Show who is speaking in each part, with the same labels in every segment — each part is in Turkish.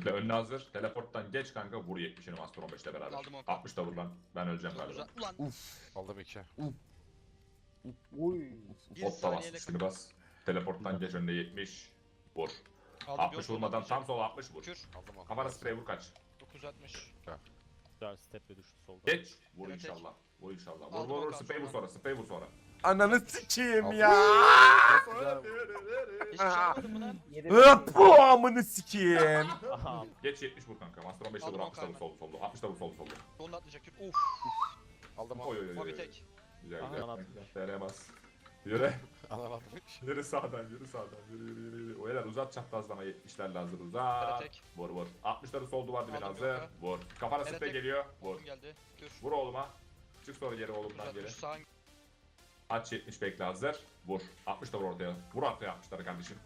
Speaker 1: çiftle önüne hazır. Teleporttan geç kanka vur 70'ini Master 15'le beraber.
Speaker 2: Aldım Okan.
Speaker 1: 60 da vur lan. Ben öleceğim galiba.
Speaker 2: Güzel. Ulan
Speaker 3: Aldım 2.
Speaker 4: Oy.
Speaker 2: bir
Speaker 1: Hop da bas.
Speaker 2: saniyeyle
Speaker 1: Üstünü bas. Teleporttan geç önüne 70. Vur.
Speaker 2: aldım.
Speaker 1: 60 vurmadan tam sola 60 vur.
Speaker 2: Kür.
Speaker 3: Aldım o.
Speaker 1: Kafana sprey vur kaç.
Speaker 2: 960.
Speaker 4: Güzel step'e düştü solda.
Speaker 1: Geç. Vur
Speaker 2: Evet,
Speaker 1: inşallah. Vur inşallah. Vur
Speaker 2: Aldım
Speaker 1: vur vur.
Speaker 2: Okan
Speaker 1: Sprey vur
Speaker 2: sonra.
Speaker 1: sonra. Sprey vur sonra.
Speaker 5: Ananı sikeyim
Speaker 3: Aldım.
Speaker 5: ya.
Speaker 2: Hiç şey yapmadın mı lan?
Speaker 5: Bu amını sikeyim.
Speaker 4: Aha.
Speaker 1: Geç 70 vur kanka. Master 15'te vur
Speaker 2: Aldım
Speaker 1: 60 da vur
Speaker 2: Okan
Speaker 1: soldu soldu. 60 da vur soldu soldu.
Speaker 2: Sonunda atlayacak Kür. Uf.
Speaker 3: Aldım
Speaker 1: Oy
Speaker 3: o.
Speaker 1: oy oy.
Speaker 2: Mavi
Speaker 1: oy.
Speaker 2: tek.
Speaker 1: Güzel
Speaker 4: Aha,
Speaker 1: güzel.
Speaker 4: atlayacak.
Speaker 1: TR'ye bas. Yürü.
Speaker 3: Anlamadım.
Speaker 1: Yürü sağdan yürü sağdan. Yürü yürü yürü. yürü. O yerler uzat çaprazlama 70'lerle hazır
Speaker 2: Tere
Speaker 1: uzat.
Speaker 2: tek.
Speaker 1: Vur vur. 60'ları sol duvar dibine
Speaker 2: Aldım
Speaker 1: hazır.
Speaker 2: Yoka.
Speaker 1: Vur. Kafana
Speaker 2: Tere
Speaker 1: sprey
Speaker 2: tek.
Speaker 1: geliyor. Vur.
Speaker 2: Oğlum geldi. Kür.
Speaker 1: Vur oğluma. Çık sonra geri oğlumdan geri.
Speaker 2: 960 sağ.
Speaker 1: Aç 70 bekle hazır. Vur. 60 da vur ortaya. Vur ortaya 60'ları kardeşim.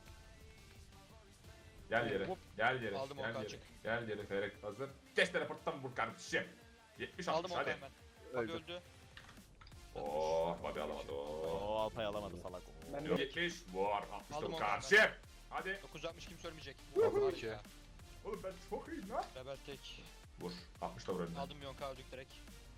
Speaker 1: Gel yere.
Speaker 2: Hop.
Speaker 1: Gel yere.
Speaker 2: Aldım
Speaker 1: Gel
Speaker 2: Okan,
Speaker 1: yere.
Speaker 2: çık.
Speaker 1: Gel yere. Ferek hazır. Geç teleporttan vur kardeşim. 70
Speaker 2: Aldım
Speaker 1: 60
Speaker 2: Okan
Speaker 1: hadi.
Speaker 2: hemen. Hadi
Speaker 4: Öldü.
Speaker 2: öldü.
Speaker 1: Oh, hadi alamadı. Oh.
Speaker 4: Oo Alpay alamadı salak.
Speaker 5: Ben
Speaker 1: Yok, 70 vur. 60 da
Speaker 2: Aldım
Speaker 1: vur
Speaker 2: Okan
Speaker 1: kardeşim. Hadi.
Speaker 2: 960 kimse ölmeyecek.
Speaker 3: Aldım
Speaker 2: Harika.
Speaker 3: 2.
Speaker 1: Oğlum ben çok iyiyim lan.
Speaker 2: Rebel tek.
Speaker 1: Vur. 60 da vur önüne.
Speaker 2: Aldım Yonka öldük direkt.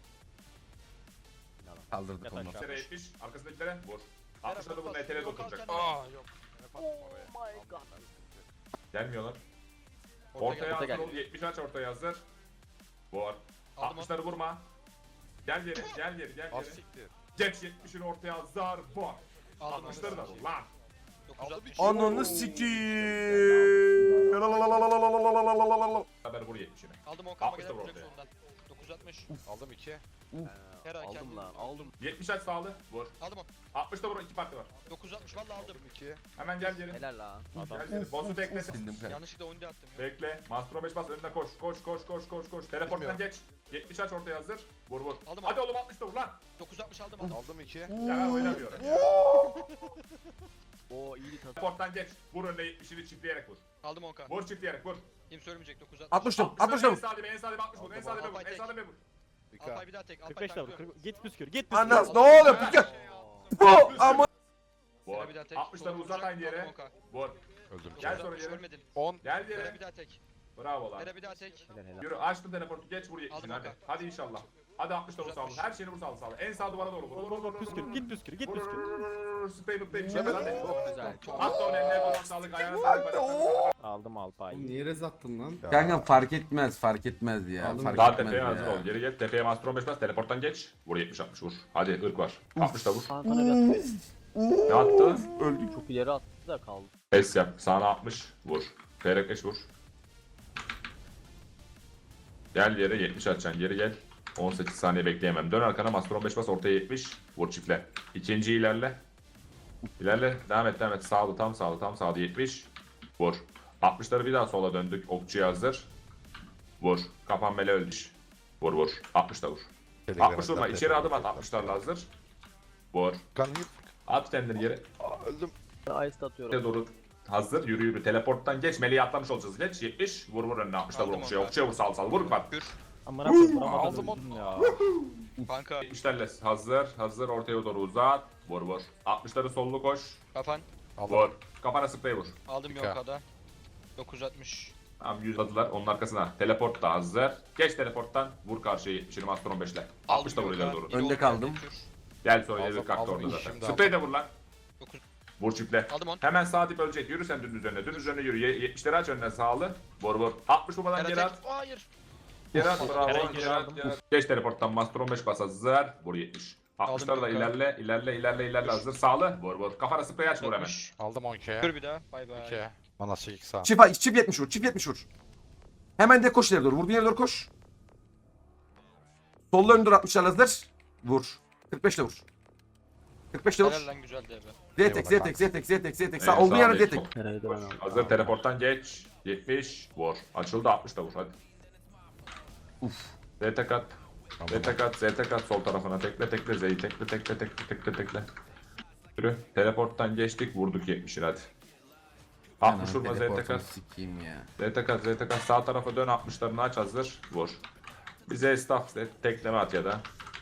Speaker 5: Kaldırdık
Speaker 4: Yat
Speaker 5: onu.
Speaker 4: aşağı.
Speaker 1: Sere 70. Arkasındakilere vur. 60'ları da vur. NTR'ye
Speaker 2: Yok,
Speaker 1: dokunacak.
Speaker 2: alsana.
Speaker 3: Aa yok. Oh my god.
Speaker 1: Gelmiyorlar.
Speaker 2: Orta
Speaker 1: Ortaya
Speaker 2: geldi.
Speaker 1: hazır
Speaker 4: geldi.
Speaker 1: ol. 70 aç ortaya hazır. Vur.
Speaker 2: Aldım onu.
Speaker 1: 60'ları vurma. Gel geri, gel geri, gel
Speaker 3: Az
Speaker 1: geri.
Speaker 3: siktir.
Speaker 1: Geç 70'ini ortaya hazır. Vur.
Speaker 2: Aldım
Speaker 1: 60'ları da vur lan.
Speaker 2: 960.
Speaker 5: Ananı sikeyim.
Speaker 1: Haber vur 70'ini.
Speaker 2: Aldım Okan ama
Speaker 1: 60 da
Speaker 2: gelen
Speaker 1: vur
Speaker 2: direkt
Speaker 1: ortaya.
Speaker 2: sonundan. 960.
Speaker 3: Aldım 2.
Speaker 2: Her ay
Speaker 4: Aldım
Speaker 2: kendim.
Speaker 4: lan aldım.
Speaker 1: 70 aç sağlı. Vur.
Speaker 2: Aldım onu.
Speaker 1: 60'da vur. 2 parti var.
Speaker 2: 960 valla aldım.
Speaker 3: Aldım 2.
Speaker 1: Hemen gel geri.
Speaker 4: Helal lan. Adam.
Speaker 1: Gel geri. Boss'u bekle.
Speaker 5: Bildim kanka.
Speaker 2: Yanlışlıkla onu da attım ya.
Speaker 1: Bekle. Master 5 bas önüne koş. Koş koş koş koş koş. Teleporttan geç. 70 aç ortaya hazır. Vur vur.
Speaker 2: Aldım
Speaker 1: Hadi oğlum 60 da vur lan.
Speaker 2: 960 aldım onu.
Speaker 3: Aldım 2.
Speaker 1: Ya ben oynamıyorum.
Speaker 4: Oo iyi bir tadı.
Speaker 1: Teleporttan geç. Vur önüne 70'ini çiftleyerek vur.
Speaker 2: Aldım Okan.
Speaker 1: Vur çiftleyerek vur.
Speaker 2: Kimse ölmeyecek 960.
Speaker 5: 60 da 60
Speaker 1: 60'ları
Speaker 5: da
Speaker 1: en
Speaker 5: vur.
Speaker 1: sağ dibe en sağ dibe 60 vur. En sağ dibe vur.
Speaker 2: Alpay
Speaker 1: En sağ
Speaker 2: tek.
Speaker 1: dibe vur.
Speaker 3: 2.
Speaker 2: Alpay bir daha tek. Alpay
Speaker 4: 45 de vur.
Speaker 2: tanklıyorum.
Speaker 4: Git püskür git püskür.
Speaker 5: Anas ne oluyor? Bu ama
Speaker 1: Vur.
Speaker 2: Sera bir daha tek.
Speaker 1: 60'ları
Speaker 2: Sonra
Speaker 1: uzat
Speaker 2: vuracak.
Speaker 1: aynı yere.
Speaker 2: Aldım Okan.
Speaker 1: Vur.
Speaker 3: Öldüm.
Speaker 1: Gel
Speaker 2: 960
Speaker 1: sonra geri.
Speaker 2: ölmedin.
Speaker 3: 10.
Speaker 1: Gel
Speaker 2: Sera
Speaker 1: yere.
Speaker 2: bir daha tek.
Speaker 1: Bravo lan.
Speaker 2: Sera bir daha tek.
Speaker 4: Helal helal.
Speaker 1: Yürü açtın teleportu geç vur 70'ini
Speaker 2: Aldım
Speaker 1: hadi.
Speaker 2: Okan.
Speaker 1: Hadi inşallah. Hadi 60 da vur sağlı. Her şeyini vur sağlı sağlı. En sağ duvara doğru vur. Vur vur vur.
Speaker 4: Püskür git püskür git püskür.
Speaker 1: Sprey mutlu bir şey hadi.
Speaker 4: Çok güzel.
Speaker 1: At da onu eline koluna sağlık ayağına sağlık bacaklarına.
Speaker 4: Aldım Alpay.
Speaker 6: Oğlum niye rez attın lan?
Speaker 5: kanka fark etmez ya.
Speaker 6: Aldım.
Speaker 5: Fark
Speaker 1: Daha
Speaker 5: etmez
Speaker 1: tepeye hazır
Speaker 5: ya.
Speaker 1: ol. Geri gel. Tepeye Master 15 bas. Teleporttan geç. Vur 70-60 vur. Hadi ırk var. 60 da vur.
Speaker 4: Sana bir attı.
Speaker 1: Ne attı?
Speaker 5: Öldük.
Speaker 4: Çok ileri attı da kaldı.
Speaker 1: Es yap. Sağına 60 vur. Ferekleş vur. Gel yere 70 atacaksın. Geri gel. 18 saniye bekleyemem. Dön arkana Master 15 bas. Ortaya 70. Vur çiftle. İkinci ilerle. İlerle. Devam et devam et. Sağlı tam sağlı tam sağlı 70. Vur. 60'ları bir daha sola döndük. Okçuya hazır. Vur. Kafan mele öldü. Vur vur. 60 da vur. 60 vurma. İçeri adım at. 60'larla hazır. Vur.
Speaker 3: Kanka
Speaker 1: At kendini yere.
Speaker 3: öldüm.
Speaker 4: Ice atıyorum.
Speaker 1: Doğru. Hazır. Yürü yürü. Teleporttan geç. Meleği atlamış olacağız. Geç. 70. Vur vur önüne. 60'lar vur.
Speaker 2: Aldım
Speaker 1: Okçuya.
Speaker 2: onu.
Speaker 1: Okçuya vur. Sal sal. Vur bak.
Speaker 2: Kür.
Speaker 4: Amına koyayım
Speaker 3: Aldım
Speaker 4: vuramadım
Speaker 3: onu.
Speaker 4: öldüm ya.
Speaker 2: Kanka.
Speaker 1: 70'lerle hazır. Hazır. Ortaya doğru uzat. Vur vur. 60'ları sollu koş.
Speaker 2: Kafan.
Speaker 1: Vur.
Speaker 3: Aldım.
Speaker 1: Kafana sprey vur.
Speaker 2: Aldım
Speaker 3: Dikkat.
Speaker 2: Yonka'da. 960.
Speaker 1: Tamam 100 adılar. Onun arkasına. Teleport da hazır. Geç teleporttan. Vur karşıya 70'ini Master 15'le. 60 da vur ileri doğru.
Speaker 5: Önde kaldım.
Speaker 1: Gel sonra
Speaker 3: Aldım,
Speaker 1: ileri kalktı
Speaker 3: aldım,
Speaker 1: orada zaten.
Speaker 3: şimdi
Speaker 1: Sprey de vur lan.
Speaker 2: 9.
Speaker 1: Vur çiftle.
Speaker 2: Aldım onu.
Speaker 1: Hemen sağ dip ölecek. Yürü sen dümdüz önüne. Dümdüz önüne yürü. 70'leri aç önüne sağlı. Vur vur. 60 vurmadan
Speaker 2: Sera
Speaker 1: geri
Speaker 2: tek.
Speaker 1: at.
Speaker 2: Hayır.
Speaker 1: Geri at. Bravo.
Speaker 4: Herhangi
Speaker 1: Geri
Speaker 4: bir
Speaker 1: at.
Speaker 4: aldım.
Speaker 1: Geri at. Geç teleporttan Master 15 bas hazır. Vur 70. 60'ları da
Speaker 2: Aldım,
Speaker 1: ilerle hazır. Sağlı. Vur vur. Kafana sprey aç vur hemen.
Speaker 2: 60.
Speaker 3: Aldım 12.
Speaker 2: Kür bir daha. Bay bay.
Speaker 3: 2. Bana 8 sağ.
Speaker 5: Çift 70 vur. Çift 70 vur. Hemen de koş ileri doğru. Vurduğun yere doğru koş. Sollu önde 60'lar hazır. Vur. 45 de vur. 45 de vur.
Speaker 2: Helal lan güzeldi ebe.
Speaker 5: Zetek zetek zetek zetek zetek. Sağ
Speaker 1: Evet,
Speaker 5: olduğun
Speaker 1: sağ
Speaker 5: yere
Speaker 1: ol,
Speaker 5: zetek.
Speaker 1: çok
Speaker 4: Herhalde
Speaker 1: koş.
Speaker 4: ben aldım.
Speaker 1: Hazır teleporttan geç. 70. Vur. Açıldı 60 da vur hadi. ZT kat. ZT kat. ZT kat sol tarafına tekle tekle. Z'yi tekle tekle tekle tekle tekle. Yürü. Teleporttan geçtik vurduk 70'ini hadi. 60 vurma ZT kat.
Speaker 5: Sikeyim ya.
Speaker 1: ZT kat ZT kat sağ tarafa dön 60'larını aç hazır. Vur. Bize staff tekleme at ya da.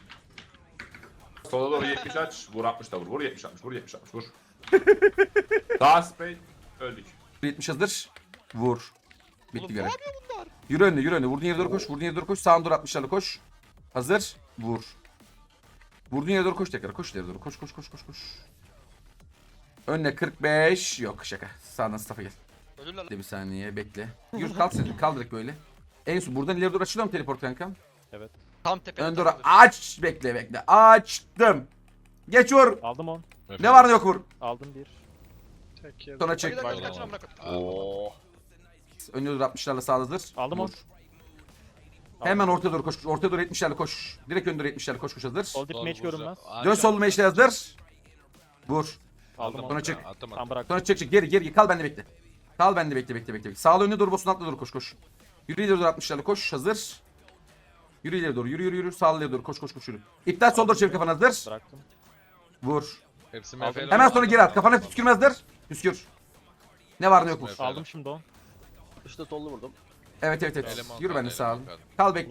Speaker 1: Sola doğru 70 aç. Vur 60 da vur. Vur 70 60. Vur 70 60 vur. Sağ spray. Öldük.
Speaker 5: 70 hazır. Vur. Bitti
Speaker 2: Oğlum,
Speaker 5: görev.
Speaker 2: ne yapıyor bunlar?
Speaker 5: Yürü önüne yürü önüne. Vurduğun yere doğru koş. Vurduğun yere doğru koş. Sağına doğru 60'larla koş. Hazır. Vur. Vurduğun yere doğru koş tekrar. Koş ileri doğru. Koş koş koş koş koş. Önüne 45. Yok şaka. Sağdan staff'a gel.
Speaker 2: Ölürler lan.
Speaker 5: Bekle bir saniye bekle. Yürü kalk sen. Kal direkt böyle. En son buradan ileri doğru açılıyor mu teleport kankam?
Speaker 3: Evet.
Speaker 2: Tam tepede.
Speaker 5: Ön doğru
Speaker 2: takılır.
Speaker 5: aç. Bekle bekle. Açtım. Geç vur.
Speaker 6: Aldım 10.
Speaker 5: Ne var ne yok vur.
Speaker 6: Aldım 1.
Speaker 5: Sonra
Speaker 2: Bak,
Speaker 5: çek.
Speaker 2: bir dakika, kaçın amına koyayım.
Speaker 3: Oo.
Speaker 5: Önüne doğru 60'larla sağ hazır.
Speaker 6: Aldım
Speaker 5: Vur.
Speaker 6: 10.
Speaker 5: Hemen ortaya doğru koş. Ortaya doğru 70'lerle koş. Direkt ön doğru 70'lerle koş koş hazır.
Speaker 6: Sol dip match görünmez.
Speaker 5: Dön sollu meşle hazır. Vur.
Speaker 6: Aldım 10.
Speaker 5: Sonra çık.
Speaker 6: Tam bırak.
Speaker 5: Sonra çık geri kal bende bekle. Kal bende bekle. Sağlı önüne doğru boss'un altına doğru koş. Yürü ileri doğru 60'larla koş hazır. Yürü ileri doğru yürü. Sağlı ileri doğru koş yürü. İptal sol doğru çevir kafanı hazır.
Speaker 6: Bıraktım.
Speaker 5: Vur.
Speaker 3: Hepsi
Speaker 6: Aldım.
Speaker 3: MF'ler.
Speaker 5: Hemen sonra geri at. Kafana püskürmezdir. Püskür. Ne var ne yok vur.
Speaker 3: Evet.
Speaker 6: Aldım şimdi 10.
Speaker 4: İşte sollu vurdum.
Speaker 5: Evet.
Speaker 3: Eleman
Speaker 5: Yürü
Speaker 3: kaldı,
Speaker 5: bende sağ ol.
Speaker 3: eleman kaldı.
Speaker 5: Kal bekle.